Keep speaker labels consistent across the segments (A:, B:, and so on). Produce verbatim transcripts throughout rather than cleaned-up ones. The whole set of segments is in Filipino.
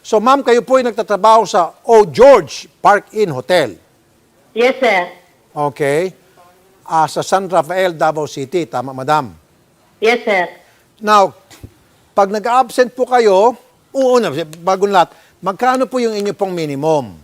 A: So ma'am, kayo po ay nagtatrabaho sa O. George Park Inn Hotel.
B: Yes, sir.
A: Okay. Ah, sa San Rafael, Davao City. Tama, madam?
B: Yes, sir.
A: Now, pag nag-absent po kayo, uuna, bagong lahat, magkano po yung inyo pong minimum?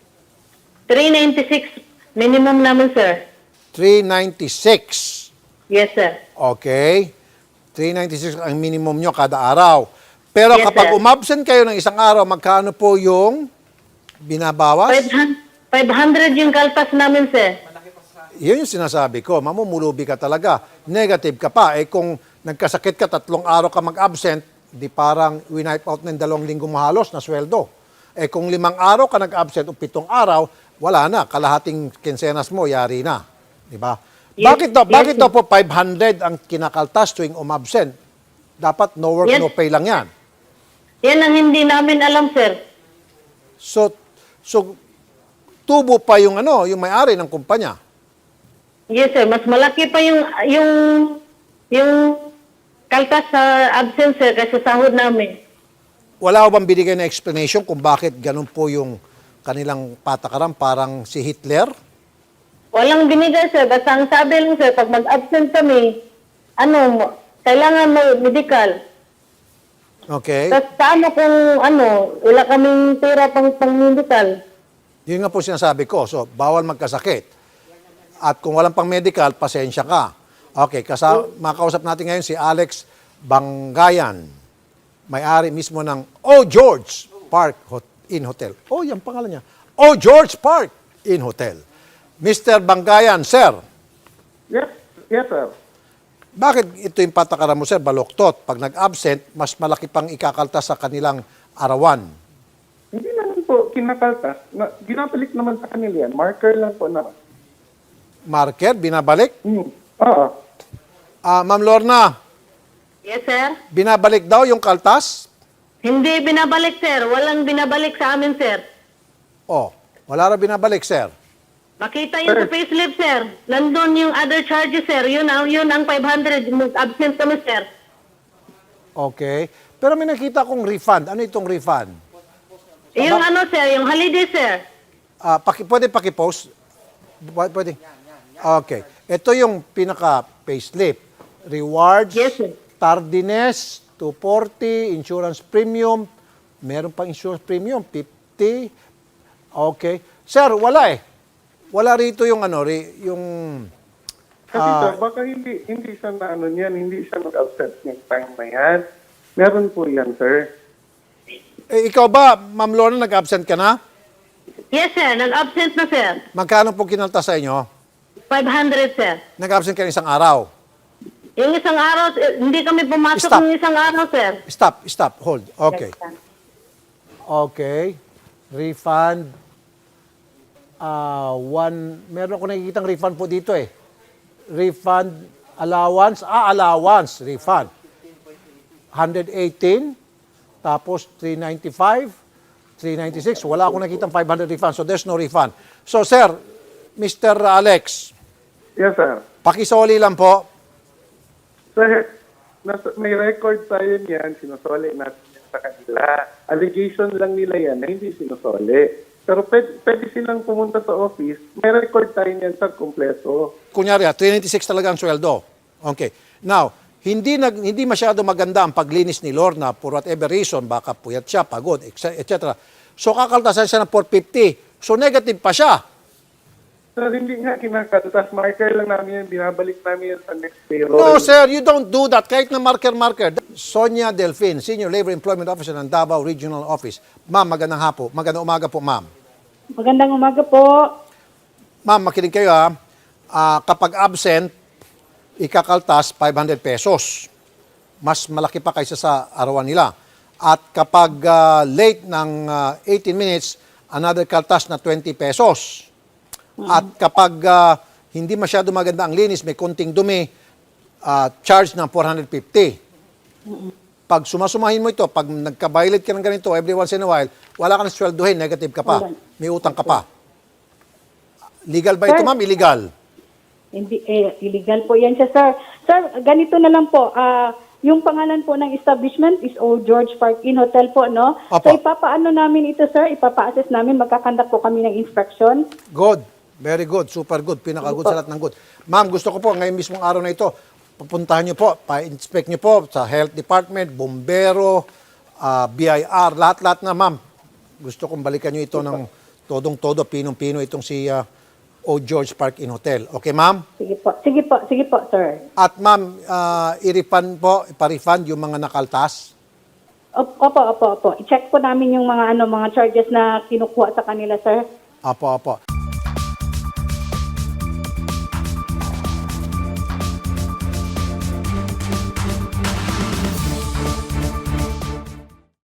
B: three ninety-six minimum naman, sir.
A: three ninety-six.
B: Yes, sir.
A: Okay. three ninety-six ang minimum nyo kada araw. Pero
B: Yes,
A: kapag
B: sir.
A: umabsent kayo ng isang araw, magkano po yung binabawas?
B: five hundred yung kalpas namin, sir.
A: Yun yung sinasabi ko. Mamumulubi ka talaga. Negative ka pa. Eh kung nagkasakit ka, tatlong araw ka mag-absent, di parang winipe out ng dalawang linggo mo halos na sweldo. Eh kung limang araw ka nag-absent o pitong araw, wala na. Kalahating kinsenas mo, yari na. Di ba?
B: Yes,
A: bakit daw,
B: yes,
A: bakit
B: sir.
A: daw po five hundred ang kinakaltas tuwing umabsent? Dapat no work,
B: Yes.
A: no pay lang yan.
B: Yan ang hindi namin alam, sir.
A: So, so tubo pa yung ano, yung may-ari ng kumpanya.
B: Yes, sir. Mas malaki pa yung yung yung kaltas sa absence, sir, kaysa sahod namin.
A: Wala ko bang binigay na explanation kung bakit ganun po yung kanilang patakaran, parang si Hitler?
B: Walang binigay, sir. Basta ang sabi lang, sir, pag mag-absent kami, ano, kailangan may medical.
A: Okay.
B: Tapos paano kung, ano, wala kaming pera pang, pang medical?
A: Yun nga po sinasabi ko. So, bawal magkasakit. At kung walang pang medical, pasensya ka. Okay, kasa makausap natin ngayon si Alex Bangayan, may-ari mismo ng O. George Park Hot- Inn Hotel. Oh, yan pangalan niya. O. George Park Inn Hotel. mister Bangayan, sir,
C: Yes, yes, sir.
A: bakit ito yung patakaran mo, sir, baloktot? Pag nag-absent, mas malaki pang ikakaltas sa kanilang arawan.
C: Hindi naman po kinakaltas. Na, ginabalik naman sa kanila yan. Marker lang po naman.
A: Marker, binabalik.
C: Hmm. Oo.
A: Ah, Ma'am Lorna,
B: Yes, sir.
A: binabalik daw yung kaltas?
B: Hindi binabalik, sir. Walang binabalik sa amin, sir.
A: Oh, wala ra binabalik, sir.
B: Makita yun sa payslip, sir. Nandun yung other charges, sir. Yun ang, yun ang five hundred. Mag-absent kami, sir.
A: Okay. Pero may nakita kong refund. Ano itong refund?
B: Yung ano, sir, yung holiday, sir.
A: Ah, paki, pwede pakipost? Pwede? Pwede. Okay. Ito yung pinaka-payslip. Rewards,
B: Yes, sir.
A: tardiness, two forty, insurance premium. Meron pang insurance premium, fifty. Okay. Sir, wala eh. Wala rito yung ano, ri- yung...
C: Kasi
A: Ah.
C: sir, baka hindi, hindi siya na ano niyan, hindi siya nag-absent yung time na yan. Meron po yan, sir.
A: Eh, ikaw ba, Ma'am Lorna, nag-absent ka na?
B: Yes, sir. Nag-absent na, sir.
A: Magkano po kinalta sa inyo?
B: five hundred, sir.
A: Nag-absent ka ng isang araw.
B: Yung isang araw, eh, hindi kami pumasok
A: Stop.
B: ng isang araw, sir.
A: Stop, stop, hold. Okay. Okay. Refund. Ah, one, meron ako nakikitang refund po dito eh. Refund allowance, ah, allowance, refund. one eighteen, tapos three ninety-five, three ninety-six, wala akong nakitang five hundred refund, so there's no refund. So sir, mister Alex,
C: Yes, sir.
A: pakisoli lang po.
C: Sir, nasa, may record tayo niyan, sinusoli natin yan sa kanila. Allegation lang nila yan na hindi sinusoli. Pero pwede, pwede silang pumunta sa office, may record tayo niyan, sir, kumpleto.
A: Kunyari, ah, three ninety-six talaga ang sweldo. Okay. Now, hindi nag hindi masyado maganda ang paglinis ni Lorna for whatever reason, baka puyat siya, pagod, et cetera. So kakaltasan siya ng four fifty. So negative pa siya.
C: Sir, hindi nga kinakaltas. Marker lang namin yan, binabalik namin yan sa next payroll.
A: No, sir, you don't do that. Kahit na marker-marker. Sonia Delfin, Senior Labor Employment Officer ng Davao Regional Office. Ma'am, magandang hapo. Magandang umaga po, ma'am.
D: Magandang umaga po.
A: Ma'am, makinig kayo ha. Ah, kapag absent, ikakaltas five hundred pesos. Mas malaki pa kaysa sa arawan nila. At kapag ah, late ng ah, eighteen minutes, another kaltas na twenty pesos. At kapag ah, hindi masyado maganda ang linis, may konting dumi, ah, charge ng four hundred fifty. Pag sumasumahin mo ito, pag nagka-violate ka ng ganito every once in a while, wala ka na sweldohin, negative ka pa. May utang ka pa. Legal ba ito,
D: Sir,
A: ma'am? Illegal.
D: Hindi, eh, illegal po yan siya, sir. Sir, ganito na lang po. ah yung pangalan po ng establishment is Old George Park Inn Hotel po, no?
A: Opo.
D: So ipapaano namin ito, sir? Ipapa-assess namin, magkakandak po kami ng inspection.
A: Good. Very good. Super good. Pinaka-good sa lahat ng good. Ma'am, gusto ko po ngayon mismong araw na ito, pupuntahan niyo po, pa-inspect niyo po sa Health Department, Bombero, ah, B I R, lahat-lahat na, ma'am. Gusto kong balikan niyo ito ng todong-todo, pinong-pino itong si ah, Old George Park Inn Hotel. Okay, ma'am?
D: Sige po, sige po, sige po, sir.
A: At ma'am, ah, i-refund po, ipa-refund yung mga nakaltas.
D: Op- Opo, opo, opo. I-check po namin yung mga ano mga charges na kinukuha sa kanila, sir.
A: Apo, apo.